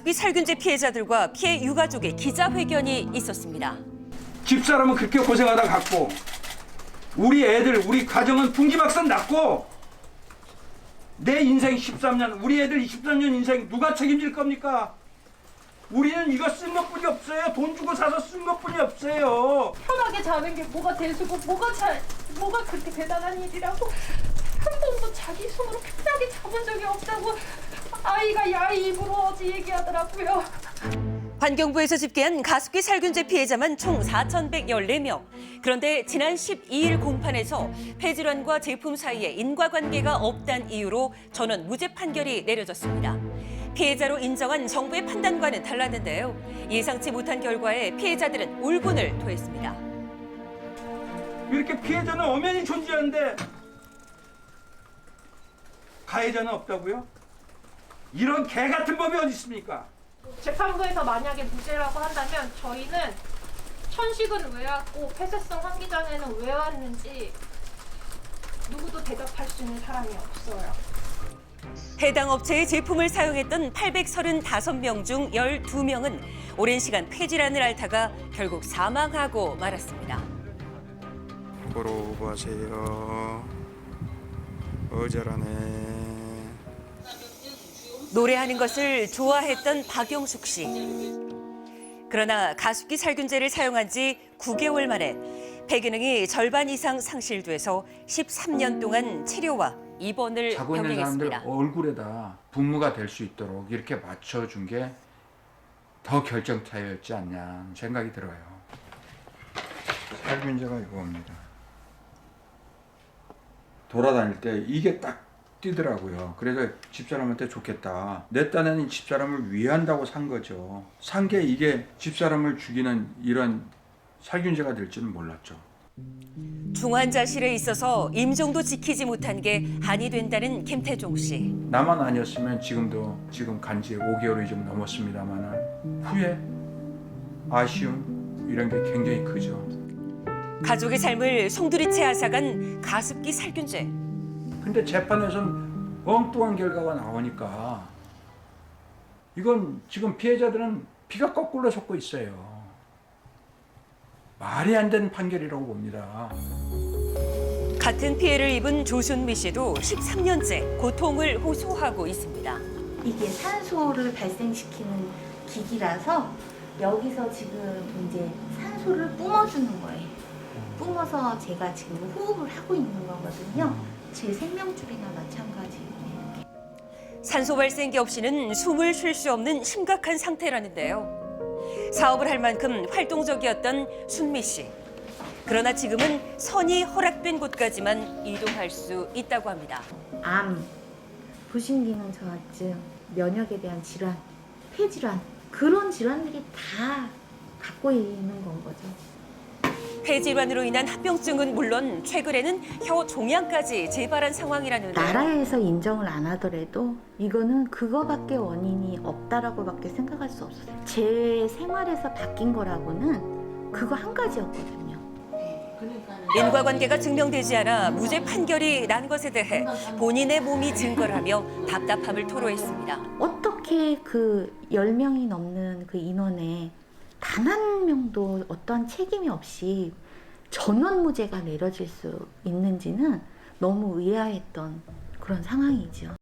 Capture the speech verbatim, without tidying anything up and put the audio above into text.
가습기 살균제 피해자들과 피해 유가족의 기자회견이 있었습니다. 집사람은 그렇게 고생하다 갔고 우리 애들, 우리 가정은 풍지박산 났고 내 인생 십삼 년, 우리 애들 이십삼 년 인생 누가 책임질 겁니까? 우리는 이거 쓴 것뿐이 없어요. 돈 주고 사서 쓴 것뿐이 없어요. 편하게 자는 게 뭐가 대수고 뭐가 잘 뭐가 그렇게 대단한 일이라고 한 번도 자기 손으로 편하게 잡은 적이 없다고 아이가 야이 입으로 어제 얘기하더라고요. 환경부에서 집계한 가습기 살균제 피해자만 총 사천백십사 명. 그런데 지난 십이 일 공판에서 폐질환과 제품 사이에 인과관계가 없다는 이유로 전원 무죄 판결이 내려졌습니다. 피해자로 인정한 정부의 판단과는 달랐는데요. 예상치 못한 결과에 피해자들은 울분을 토했습니다. 이렇게 피해자는 엄연히 존재하는데 가해자는 없다고요? 이런 개 같은 법이 어디 있습니까? 재판부에서 만약에 무죄라고 한다면 저희는 천식은 왜 왔고 폐쇄성 환기장에는 왜 왔는지 누구도 대답할 수 있는 사람이 없어요. 해당 업체의 제품을 사용했던 팔백삼십오 명 중 열두 명은 오랜 시간 폐질환을 앓다가 결국 사망하고 말았습니다. 보러 가세요. 어절하네. 노래하는 것을 좋아했던 박영숙 씨. 그러나 가습기 살균제를 사용한 지 구 개월 만에 폐기능이 절반 이상 상실돼서 십삼 년 동안 치료와 입원을 자고 있는 사람들 병행했습니다. 얼굴에다 분무가 될 수 있도록 이렇게 맞춰준 게 더 결정타였지 않냐 생각이 들어요. 살균제가 이겁니다. 돌아다닐 때 이게 딱 뛰더라고요. 그래서 집사람한테 좋겠다. 내 딴에는 집사람을 위한다고 산 거죠. 산 게 이게 집사람을 죽이는 이런 살균제가 될 줄은 몰랐죠. 중환자실에 있어서 임종도 지키지 못한 게 한이 된다는 김태종 씨. 나만 아니었으면 지금도 지금 간지 오 개월이 좀 넘었습니다만 후회, 아쉬움 이런 게 굉장히 크죠. 가족의 삶을 송두리째 앗아간 가습기 살균제. 근데 재판에서는 엉뚱한 결과가 나오니까 이건 지금 피해자들은 피가 거꾸로 솟고 있어요. 말이 안 되는 판결이라고 봅니다. 같은 피해를 입은 조순미 씨도 십삼 년째 고통을 호소하고 있습니다. 이게 산소를 발생시키는 기기라서 여기서 지금 이제 산소를 뿜어주는 거예요. 뿜어서 제가 지금 호흡을 하고 있는 거거든요. 제 생명줄이나 마찬가지예요. 산소 발생기 없이는 숨을 쉴 수 없는 심각한 상태라는데요. 사업을 할 만큼 활동적이었던 순미 씨. 그러나 지금은 선이 허락된 곳까지만 이동할 수 있다고 합니다. 암, 부신기능 저하증, 면역에 대한 질환, 폐질환 그런 질환들이 다 갖고 있는 건 거죠. 폐질환으로 인한 합병증은 물론 최근에는 혀 종양까지 재발한 상황이라는데요. 나라에서 인정을 안 하더라도 이거는 그거밖에 원인이 없다라고밖에 생각할 수 없어요. 제 생활에서 바뀐 거라고는 그거 한 가지였거든요. 인과관계가 증명되지 않아 무죄 판결이 난 것에 대해 본인의 몸이 증거를 하며 답답함을 토로했습니다. 어떻게 그 열 명이 넘는 그 인원에 단 한 명도 어떠한 책임이 없이 전원 무죄가 내려질 수 있는지는 너무 의아했던 그런 상황이죠.